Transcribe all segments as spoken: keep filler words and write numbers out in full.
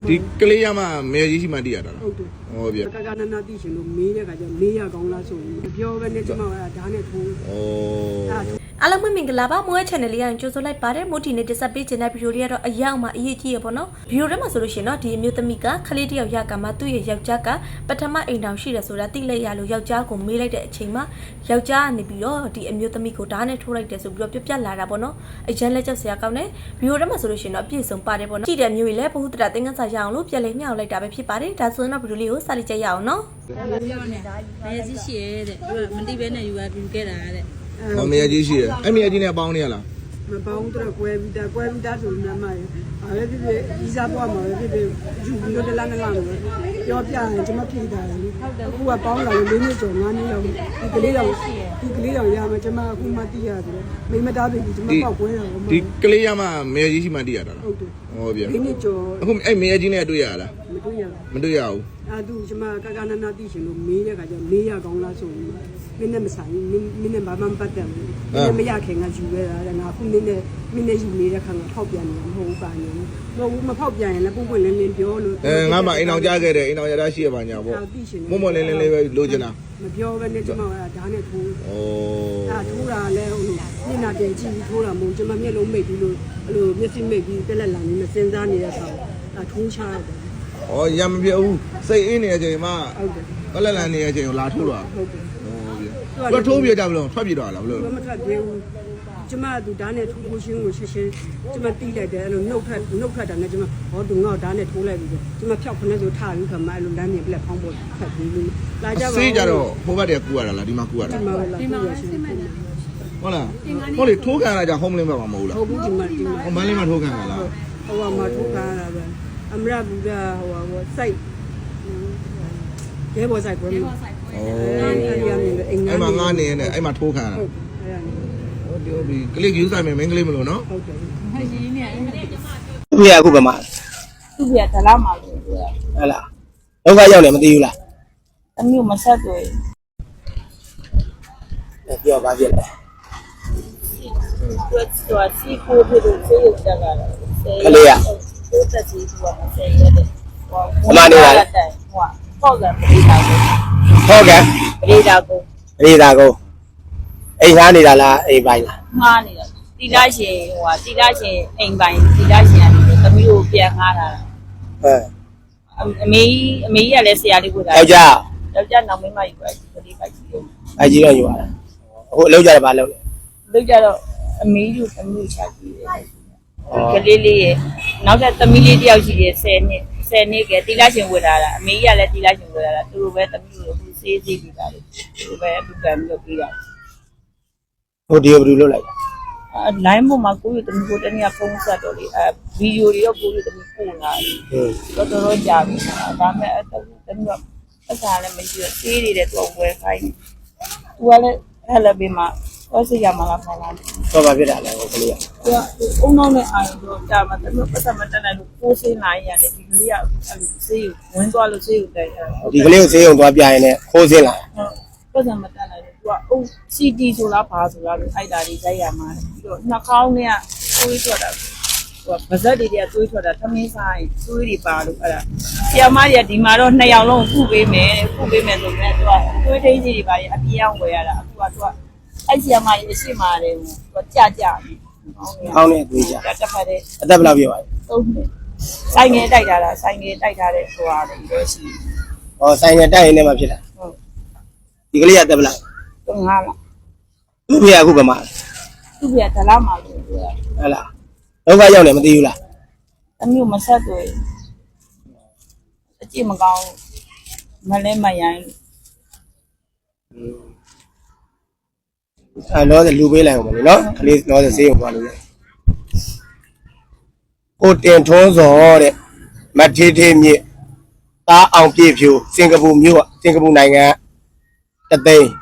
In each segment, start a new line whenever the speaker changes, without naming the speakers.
ဒီကလေးရမှမဲကြီးရှိမှတည်ရတာလား
ဟုတ်တယ်
ဟောဗျ
ကကနနာသိရှင်လို့မေးတဲ့ခါကျမေးရကောင်းလားဆိုရင်မပြောဘဲနဲ့ကျမကဓာတ်နဲ့ထိုး
ဩ
အားလုံးမင်္ဂလာပါမွေး channel လေးရကြိုဆိုလိုက်ပါတယ်မို့ဒီနေ့တက်ဆက်ပေးခြင်းတဲ့ဗီဒီယိုလေးကတော့အရောက်မှအရေးကြီးရပေါ့နော်ဗီဒီယိုထဲမှာဆိုလို့ရှိရင်တော့ဒီအမျိုးသမီးကခလေးတယောက်ရကမှသူ့ရဲ့ယောက်ျားကပထမအိမ်တောင်ရှိတယ်ဆိုတာသိလိုက်ရလို့ယောက်ျားကိုမေးလိုက်တဲ့အချိန်မှာယောက်ျားကနေပြီးတော့ဒီအမျိုးသမီးကိုဓာတ်နဲ့ထိုးလိုက်တယ်ဆိုပြီးတော့ပြပြလာတာပေါ့နော်အရန်လက်ချက်ဆရာကောင်းတယ်ဗီဒီယိုထဲမှာဆိုလို့ရှိရင်တော့အပြည့်စုံပါတယ်ပေါ့နော်ကြည့်တဲ့မျိုးကြီးလည်းဘ ഹു တရသင်္ကန်းစာရအောင်လို့ပြန်လေးညှောက်လိုက်တာပဲဖြစ်ပါတယ်ဒါဆိုရင်တော့ဗီဒီယိုလေးကိုစလိုက်ကြရအောင်နော်
မဲကြီးရှိရဲတဲ့သူကမတိဘဲနဲ့ယူပါပြီးခဲ့တာတဲ့
ဟောမဲကြီးရှိရအဲ့မဲကြီးနဲ့ပေါင်းနေရလား
မပေါင်းတော့ကွဲပြီးတာကွဲပြီးတာဆိုရင်မှအားလည်းဖြစ်ဖြစ်ဤစားပွားမှာပဲဖြစ်ဖြစ်ယူပြီးတော့တလားနလားလို့ပြောပြရင်ကျွန်မဖြေတာလေအခုကပေါင်းလာလို့လေးနှစ်ကျော်ငါးနှစ်လောက်ဒီကလေးတော့ဒီကလေးတော့ရမှာကျွန်မအခုမှသိရတယ်မိမသားပြီကျွန်မပေါက်ကွဲတာပေါ့
ဒီကလေးရမှမဲကြီးရှိမှတည်ရတာလား
ဟုတ်တယ်
ဟောဗျ
လေးနှစ်ကျော်
အခုအဲ့မဲကြီးနဲ့တွေ့ရလား
မတွေ့ရ
မတွေ့ရဘူး
အာသူကျွန်မကကနနာသိရှင်လို့မေးတဲ့ခါကျမေးရကောင်းလားဆိုရင်မင်းနဲ့မဆိုင်မင်းမင်းနဲ့ဘာမှမပတ်သက်ဘူးမင်းနဲ့မရခင်ကယူခဲ့တာတဲ့ငါခုမင်းနဲ့မင်းနဲ့ယူနေတဲ့ခါကထောက်ပြန်နေတာမဟုတ်ဘူးပါနေမဟုတ်ဘူးမဖောက်ပြန်ရင်လည်းပုံပွင့်လင်းလင်းပြောလို့
အဲငါမှအိမ်အောင်ကြားခဲ့တယ်အိမ်အောင်ရတာရှိရပါညာပေါ့မွတ်မွတ်လင်းလင်းလေးပဲလိုချင်တာ
မပြောဘဲနဲ့ကျွန်မကဓာတ်နဲ့ထိုး
ဩ
အာထိုးတာလည်းဟိုမျက်နှာပြင်ကြည့်ပြီးထိုးတာမဟုတ်ကျွန်မမျက်လုံးမိတ်ပြီးလို့အဲ့လိုမျက်စိမိတ်ပြီးတက်လက်လာနေမစင်စားနေတဲ့ခါအာထိုးချရတယ်
ဩရမပြဘူးစိတ်အေးနေတဲ့အချိန်မှာ
ဟုတ်တယ်
ကလလန်နေတဲ့အချိန်ကိုလာထိုးတော့
ဟုတ်တယ်
ဟောဗျသူထိုးပြကြဘလို့ထွက်ပြတော့လားဘလို့
မထွက်သေးဘူးကျမသူဓာတ်နဲ့ထိုးဖို့ရှင်းကိုရှင်းရှင်းကျမတီးလိုက်တယ်အဲ့လိုနှုတ်ထွက်နှုတ်ထွက်တာနဲ့ကျမဟောသူငေါ့ဓာတ်နဲ့ထိုးလိုက်ပြီကျမဖြောက်ခနဲ့ဆိုထားပြီးခါမှအဲ့လိုလမ်းမြင်ပြက်ဖောင်းဖို့ဖတ်ပြီးလို့လာကြပါ
စေးကြတော့ဟိုဘက်တည်းကူရတာလားဒီမှာကူရတာ
ဒီမှာလာပြီးရရှင်း
ဟုတ်လားဟုတ်လေထိုးခံရကြ home link ဘက်မှာမဟုတ်လား
ဟုတ်ဘူးဒီမှာဒီမှာ
ဟိုမန်းလေးမှာထိုးခံရလား
ဟိုကမှာထိုးခံရတာပဲအမရဘူကဟိုဟိုစိုက်ရဲဘော်စိုက်ပွဲမှာ
ဩအဲ့မှာငားနေနေအဲ့မှာထိုးခံရတာဟုတ်တယ်ဟုတ်ပြီကလစ်ယူဆိုင်မယ်မင်းကလေးမလို့နော်
ဟုတ်တယ်
ရင်းနေအဲ့
သူ့ရအခုဘယ်မှာ
သူ့ပြဒလားမှာလို့ပြော
ဟဲ့လားလောကရောက်တယ်မသိဘူးလား
အမျိုးမဆက်တွေ့
ပြောပါပြည့်လဲ
သူကစီကိုဖြစ်လို့ဆေးရုံတက်လာတယ်
ကလေးရ
ကိုတက်စီကမဆေးရတဲ့ဟို
အမနေပါလေ
ဟိုပေါ့ကပရိဒါကို
ဟုတ်ကဲ့
ပရိဒါကို
ပရိဒါကိုအိမ်သားနေတာလားအိမ်ပိုင်းလား
မှားနေတာတိလာရှင်ဟိုဟာတိလာရှင်အိမ်ပိုင်းတိလာရှင်ကနေသမီးကိုပြန်ငားတာ
ဟဲ့
အမေအမေကြီးကလည်းဆရာလေးကိုလာ
ယောက်ျား
ယောက်ျားနောက်မင်းမကြီးကိုကလေးပိုက်ကြီးလို့
အကြီးတော့ယူလာအခုအလုပ်ကြတယ်ဘာလုပ်လဲ
လုပ်ကြတော့အမေကြီးကိုသမီးချကြည့်တယ်ကလေးလေးရဲ့နောက်ထပ်သမီးလေးတယောက်ရှိတယ်ဆယ်နှစ်ဆယ်နှစ်ကတိလာရှင်ဝယ်လာတာအမေကြီးကလည်းတိလာရှင်ဝယ်လာတာသူတို့ပဲသမီးကိုအခုစေးစေးပြီးတာလေသူတို့ပဲအတူတန်ပြီးတော့ပြီးတာ
ဟိုဒီဘယ်လိုလုပ်လိုက်
အဲ line ပေါ်မှာကိုယ်ရသမီးကိုတနေ့ကဖုန်းဆက်တော့လေအဲဗီဒီယိုတွေရောကိုယ်ရသမီးပို့လာတယ်တော်တော်ကြာပြီဒါပေမဲ့အခုတနေ့ကပတ်စားလည်းမရှိတော့စေးနေတယ်သူကဝယ်ခိုင်းသူကလည်းဟဲ့လည်းပြီးမှဟောစီရမလားခေါ်လာတယ်
တော့ပါပြတာလဲဟိုကလေးက
သူကအုံနောက်နဲ့အာရုံတော့ကြာမှတမျိုးပတ်သက်မတက်နိုင်လို့ကိုးစင်းလာရတယ်ဒီကလေးကအဲ့လိုစေးဝင်သွားလို့စေးကိုတိုက်တာ
ဒီကလေးကိုစေးုံသွားပြရင်လည်းခိုးစင်းလာ
ပတ်သက်မတက်နိုင်လို့သူကအုံ စီ တီ ဆိုလားဘာဆိုလားလို့အိုက်တာတွေရိုက်ရမှာပြီးတော့နှာခေါင်းနဲ့သွေးထွက်တာဟိုဗဇက်တွေတွေကသွေးထွက်တာသမင်းဆိုင်သွေးတွေပါလို့အဲ့ဒါဆရာမကြီးကဒီမှာတော့နှစ်ယောက်လုံးခုပေးမယ်ခုပေးမယ်ဆိုတော့သူကသွေးထိန်းကြီးတွေပါရအပြေးအောင်ဝယ်ရတာအခုကသူကအဲ့ဆရာမကြီးအရှိမာတယ်သူကကြကြပြီ
အောင်းနဲ့သွေးကြ
တက်ဖက်တယ်
အသက်ဘယ်လောက်ပြောပါလဲ
သုံးနှစ်ဆိုင်ငယ်တိုက်တာလားဆိုင်ငယ်တိုက်ထားတဲ့ဟိုဟာတွေလည်းရှိ
ဟောဆိုင်ငယ်တိုက်ရင်လည်းမဖြစ်တာ
ဟုတ်
ဒီကလေးကတက်ဘယ်လောက်
သုံးငါးလား
သူ့ဖေအခုဘယ်မှာ
သူ့ပြဒလားမှာလို့ပြော
ဟဲ့လားလောကရောက်တယ်မသိဘူးလား
အမျိုးမဆက်တွေ့အကြည့်မကောင်းမလဲမရိုင်း
အဲတော့လူပေးလိုက်အောင်မလို့နော်ကလေးတော့စေးအောင်သွားလို့ရကိုတင်ထွန်းစောတဲ့မထေးထေးမြစ်သားအောင်ပြည့်ဖြူစင်ကာပူမြို့စင်ကာပူနိုင်ငံတသိန်း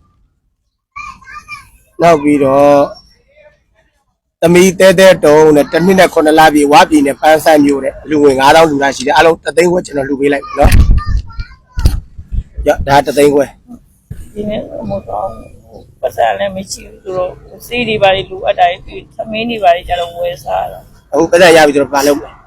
နောက်ပြီးတော့သမီးတဲတဲတုံးနဲ့တစ်နှစ်နဲ့ခုနှစ်လပြည့်ဝါပြည်နဲ့ပန်းဆန်းမြို့တဲ့လူငွေငါးထောင်လူသားရှိတယ်အလုံးတသိန်းခွဲကျွန်တော်လူပေးလိုက်နော်ရဒါတသိန်းခွဲ
ဒီနေ့မို့တော့ပတ်စံလည်းမရှိဘူးသူတို့စီးဒီပါလေလူအပ်တိုင်းသမင်းတွေပါလေကျတော့ဝယ်စားတာ
အခုပတ်စံရပြီဆိုတော့ဘာလုပ်လဲ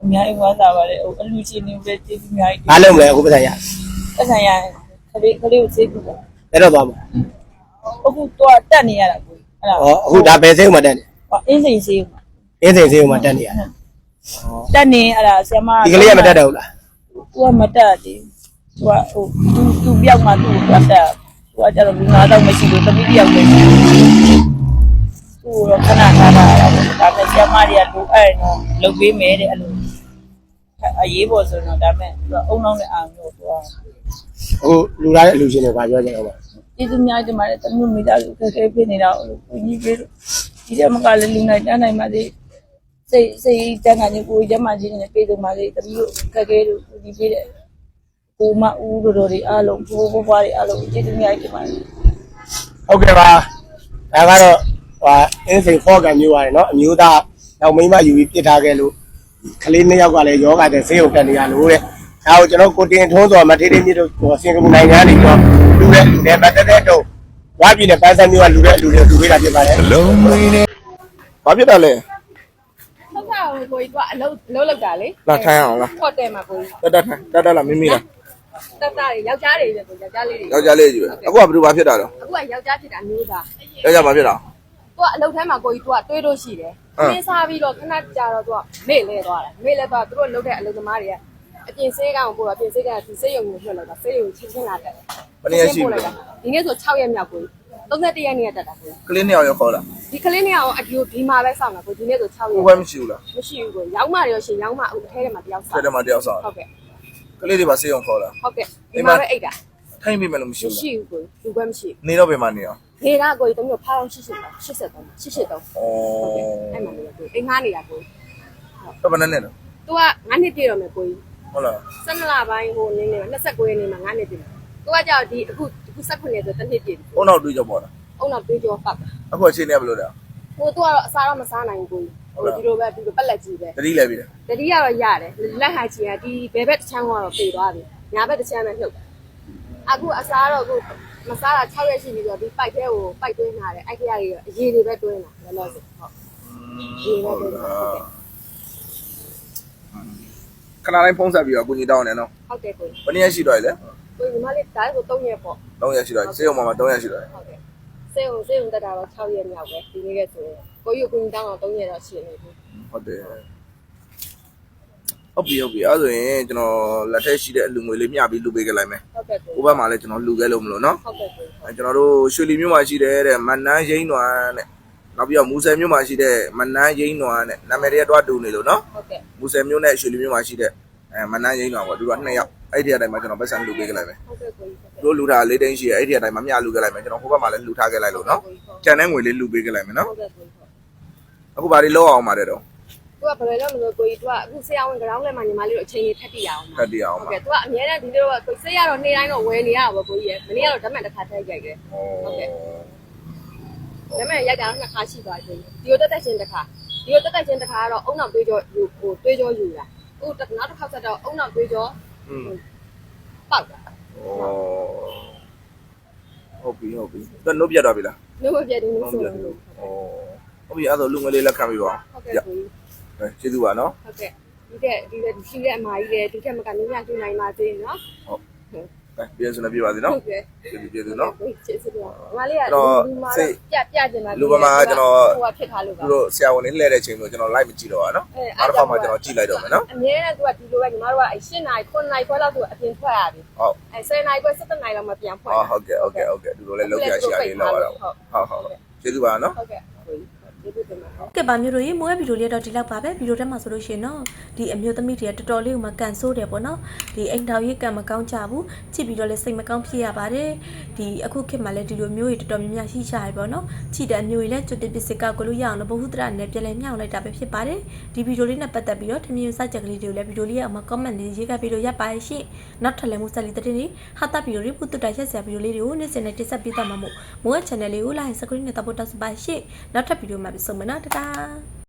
အများကြီးဝမ်းသာပါတယ်ဟိုအလူချင်းနေပဲကျေးဇူးအများကြီး
အားလုံးလည်းအခုပတ်ဆိုင်ရ
ပတ်ဆိုင်ရခလေးခလေးကိုကျေးဇူးပါ
အဲ့တော့သွားမှာ
အခုတော့တက်နေရတာကိုအဲ့ဒါ
ဟောအခုဒါဘယ်စိတ်မှတက်နေ
ဟောအင်းစိန်စေး
အင်းစိန်စိတ်မှတက်နေရတာ
တက်နေအဲ့ဒါဆရာမ
ဒီကလေးကမတက်တော့ဘူးလား
သူကမတက်သေးသူကဟိုသူသူပြောက်မှသူ့ကိုတက်သူကကျတော့လူနာတော့မရှိလို့တမိတယောက်ပဲရှိသူတော့ခဏထားတာဒါပေမဲ့ဆရာမတွေကလိုအဲ့တော့လုပ်ပေးမယ်တဲ့အဲ့လိုအရေးပေါ်ဆိုတော့ဒါပေမဲ့သူကအုံနောက်နဲ့အာမျိုးသူက
အခုလူလာတဲ့အလူချင်းတွေဘာပြောကြလဲဟော
ကျေးဇူးများတင်ပါတယ်တမျိုးမိသားစုခက်ခဲဖြစ်နေတာလို့ကိုကြီးပေးလို့ဒီတဲ့မကလည်းလူနိုင်တန်းနိုင်ပါသေးစိတ်စိတ်တန်းကနေကိုကြီးကျမကြီးနဲ့ပြေဆုံးပါသေးတမျိုးခက်ခဲလို့ကိုကြီးပေးတဲ့ကိုမဦးတို့တို့တွေအားလုံးဘိုးဘွားတွေအားလုံးကျေးဇူးများတင်ပါတယ်
ဟုတ်ကဲ့ပါဒါကတော့ဟာအင်းစိန်ဖော့ကန်မျိုးပါတယ်နော်အမျိုးသားနောက်မိန်းမယူပြီးပြစ်ထားခဲ့လို့ကလေးနှစ်ယောက်ကလည်းယောဂတဲ့ဆေးရုံတက်နေရလို့တဲ့ဒါကိုကျွန်တော်ကိုတင်ထုံးစော်မထေးထေးမြစ်တို့စင်ကာပူနိုင်ငံကနေတော့လူတဲ့လူတဲ့ပတ်သက်တဲ့တော့ဝါပြည်နဲ့ပန်းစံမျိုးကလူတဲ့လူတွေလူပေးတာဖြစ်ပါတယ်
လုံးမင်းနဲ့ဘာဖြစ်တာလဲ
ဟုတ်ကဲ့ကိုကြီးကအလုပ်အလုပ်လုပ်တာလေ
လာထိုင်အောင်လား
ဟိုတယ်မှာကိုကြီး
တက်တက်ထိုင်တက်တက်လာမင်းမီးလား
တက်တာတွေယောက်ျားတွေပဲကိုယောက်ျားလေးတွေ
ယောက်ျားလေးကြီးပဲအခုကဘယ်လိုဘာဖြစ်တာလဲ
အခုကယောက်ျားဖြစ်တာမျိုးသား
ယောက်ျားဘာဖြစ်တာ
သူကအလုပ်ထဲမှာကိုကြီးသူကတွေးလို့ရှိတယ်ခင်းစားပြီးတော့ခဏကြာတော့သူကမေ့လဲသွားတယ်မေ့လဲသွားသူတို့လုပ်တဲ့အလုပ်သမားတွေကအပြင်ဆေးကောင်ကိုအပြင်ဆေးကောင်ဒီဆေးရုံကိုလွှတ်လိုက်တာဆေးရုံချင်းချင်းလာတက်တယ်
ဘယ်နည်းရှိလဲ
ဒီနေ့ဆို6ရက်မြောက်ကိုသုံး၁ရက်နေ့တက်တာကို
ကလေးနှစ်ယောက်ရောက်ခေါ်လာ
ဒီကလေးနှစ်ယောက်အဒီဒီမှာပဲစောင့်တာကိုဒီနေ့ဆို6ရက်
ဘယ်ဘက်မရှိဘူးလား
မရှိဘူးကိုရောက်မှရောရှင်ရောက်မှအထဲထဲမှာတယောက်စော
ဆက်
င့်
တယ်မှာတယောက်ဆောင်
ဟုတ်ကဲ့
ကလေးတွေပါဆေးရုံခေါ်လာ
ဟုတ်ကဲ့ဒီမှာပဲအိတ်တာ
ထိုင်ပြီးမယ်လို့မရှိဘူး
မရှိဘူးကိုလူပဲမရှိ
နေတော့ပြန်မနေအောင်
နေကကိုကြီးတမျိုးဖောင်းရှစ်ရှစ်ရှစ်ဆက်တော့ရှစ်ရှစ်တော့
ဩ
အဲ့မှာနေကိုအိမ်ငားနေတာကို
တော့ဘယ်နဲ့လဲ
သူကငါးနှစ်ပြည့်တော့မယ်ကိုကြီး
ဟုတ်လား
ဆယ်နှစ်လပိုင်းဟိုနင်းနေမှာ29ရက်နေ့မှာငါးနှစ်ပြည့်သူကကြောက်ဒီအခုအခု၁၉ရက်ဆိုတစ်နှစ်ပြည့်
ဘုံတော့တွေးကြပေါ့လား
အုံတော့တွေးကြောပတ်တာ
အခုအချိန်နဲ့ဘယ်လိုလဲ
ဟိုသူကတော့အစားတော့မစားနိုင်ဘူးကိုကြီးဟိုဒီလိုပဲဒီလိုပက်လက်ကြီးပဲ
တတိလဲပြီလား
တတိယတော့ရတယ်လက်ဟာချီကဒီဘယ်ဘက်တစ်ချမ်းကတော့ပြေသွားပြီညာဘက်တစ်ချမ်းပဲနှုတ်အခုအစားတော့အခုမစားတာ6ရက်ရှိပြီဆိုတော့ဒီပိုက်ထဲကိုပိုက်သွင်းထားတယ်အဲ့ခရကြီးအရေးတွေပဲတွင်းတာလောလောဆယ်ဟုတ်ဒီပဲတွင်းတာဟုတ်ကဲ့
ခဏတိုင်းဖုံးဆက်ပြီးတော့ကိုကြီးတောင်းနေနော်
ဟုတ်ကဲ့ကို
ဘယ်နည်းရှိတော့လဲ
ကိုညီမလေးဒါကို၃ရက်ပေါ့
၃ရက်ရှိတော့ဆေးရုံမှာ၃ရက်ရှိတော့
ဟုတ်ကဲ့စေုံစေုံတက်တာတော့6ရက်မြောက်ပဲဒီနေ့ကဆိုရင်ကိုယူကိုညီတောင်းတော့၃ရက်တော့ရှိနေပြီ
ဟုတ်တယ်ဟုတ်ပြီဟုတ်ပြီအဲ့ဆိုရင်ကျွန်တော်လက်ထက်ရှိတဲ့အလူငွေလေးမျှပြီးလူပေးခဲ့လိုက်မယ်
ဟုတ်ကဲ့ကို
ဟိုဘက်မှာလည်းကျွန်တော်လူခဲ့လို့မလို့နော်
ဟုတ်ကဲ့ကို
အဲကျွန်တော်တို့ရွှေလီမြို့မှာရှိတဲ့တဲ့မနန်းရင်းနွားတဲ့နောက်ပြီးတော့မူဆယ်မြို့မှာရှိတဲ့မနန်းရင်းနွားတဲ့နာမည်တွေတော့တူနေလို့နော်
ဟုတ်ကဲ့
မူဆယ်မြို့နဲ့ရွှေလီမြို့မှာရှိတဲ့အဲမနန်းရင်းနွားပေါ့သူတို့ကနှစ်ယောက်အဲ့ဒီအတိုင်းမှာကျွန်တော်ပတ်စံလူပေးခဲ့လိုက်မယ်
ဟုတ်ကဲ့ကို
သူတို့လူထားလေးတင်းရှိရဲ့အဲ့ဒီအတိုင်းမှာမျှလူခဲ့လိုက်မယ်ကျွန်တော်ဟိုဘက်မှာလည်းလူထားခဲ့လိုက်လို့နော်ကျန်တဲ့ငွေလေးလူပေးခဲ့လိုက်မယ်နော်
ဟုတ်ကဲ့ကို
အခုဘာတွေလောက်အောင်ပါတယ်တော့
သူကဘယ်လိုလဲမလို့ကိုကြီးသူကအခုဆရာဝန်ကြောင်းလဲမှာညီမလေးတို့အချိန်ကြီးထပ်တည်ရအောင်
ဖတ်တရအောင်
ဟုတ်
ပါ
ကဲ့သူကအများနဲ့ဒီလိုကိုဆေးရတော့နေ့တိုင်းတော့ဝယ်နေရတာပေါ့ကိုကြီးရမနေ့ကတော့ဓာတ်မှန်တစ်ခါထည့်ရိုက်တယ်ဟုတ်ကဲ့ဓာတ်မှန်ရိုက်တာတော့နှစ်ခါရှိသွားပြီဒီလိုတက်တက်ချင်းတစ်ခါဒီလိုတက်တက်ချင်းတစ်ခါကတော့အုံနောက်တွေးကြောဟိုတွေးကြောယူတာဟိုနောက်တစ်ခါဆက်တော့အုံနောက်တွေးကြော
อืม
ပေါက်တာ
ဩဟုတ်ပြီဟုတ်ပြီတော့နှုတ်ပြတ်သွားပြီလား
လုံးဝပြည့်တယ်လို့ဆို
ပြ
တော့
တ်ပြီဩဟုတ်ပြီအဲ့တော့လူငွေလေးလက်ခံပြီးပါ
ဟုတ်ကဲ့ကိုကြီး
အဲကျေးဇူးပါနော်
ဟုတ်ကဲ့ဒီကဒီကရှိတဲ့အမကြီးလည်းဒီကမကနေညကျွနိုင်ပါသေးနော်
ဟုတ်အဲပြန်စနေပြပါစေနော်
ဟုတ်ကဲ့
ကျေးဇူးကျေးဇူးနော်
ကျေးဇူးပါငါလေးကလူမာပြပြကျင်တာဟိုကဖြစ်ထားလို့ပါ
သူတို့ဆရာဝန်လေးလှည့်တဲ့ချိန်လို့ကျွန်တော် live မကြည့်တော့ပါနော်အားတစ်ခါမှကျွန်တော်ကြည့်လိုက်တော့မယ်နော်
အမြဲတမ်းသူကဒီလိုပဲညီမတို့ကအဲ၈နာရီ9နာရီခွဲလောက်သူအပြင်ထွက်ရပြီ
ဟုတ်
အဲ၁၀နာရီခွဲ၁၇နာရီလောက်မှပြန်ဖွင့်
ဟုတ်ကဲ့ဟုတ်ကဲ့ဟုတ်ကဲ့သူတို့လည်းလောက်ရရှိရလေးလောက်ရတော့ဟုတ်ဟုတ်ကျေးဇူးပါနော်
ဟုတ်ကဲ့ကျေးဇူးတင်ပါတယ်
ကဲပါမျိုးတို့ရေမိုးရဲ့ဗီဒီယိုလေးတော့ဒီလောက်ပါပဲဗီဒီယိုထဲမှာဆိုလို့ရှိရင်တော့ဒီအမျိုးသမီးတွေကတော်တော်လေးကိုမကန်ဆိုးတယ်ပေါ့နော်ဒီအိမ်တော်ရေးကံမကောင်းကြဘူးချစ်ပြီးတော့လည်းစိတ်မကောင်းဖြစ်ရပါတယ်ဒီအခုခေတ်မှာလည်းဒီလိုမျိုးတွေတော်တော်များများရှိရှာရပေါ့နော်ချစ်တဲ့အမျိုးတွေလည်းကျွတ်တက်ပစ္စည်းကောက်ကိုလို့ရအောင်လို့ဘ ഹു တရနဲ့ပြန်လဲမြောက်လိုက်တာပဲဖြစ်ပါတယ်ဒီဗီဒီယိုလေးနဲ့ပတ်သက်ပြီးတော့ထမင်းစကြက်ကလေးတွေကိုလည်းဗီဒီယိုလေးရဲ့အမှာ comment လေးရေးခဲ့ပြီးတော့ရပ်ပါရှင့်နောက်ထပ်လည်းမိုးဆက်လေးတဲ့နေ့ဟာတာဗီဒီယိုလေးပုတ်တက်ရက်စရာဗီဒီယိုလေးတွေကိုနေ့စဉ်နဲ့တင်ဆက်ပေးသွားမှာမို့မိုးရဲ့ channel လေးကို like subscribe နဲ့တပ်ဖို့တောက်စပါရှင့်နောက်ထပ်ဗီဒီယိုမှာပြန်ဆုံမယ်နော်တတာ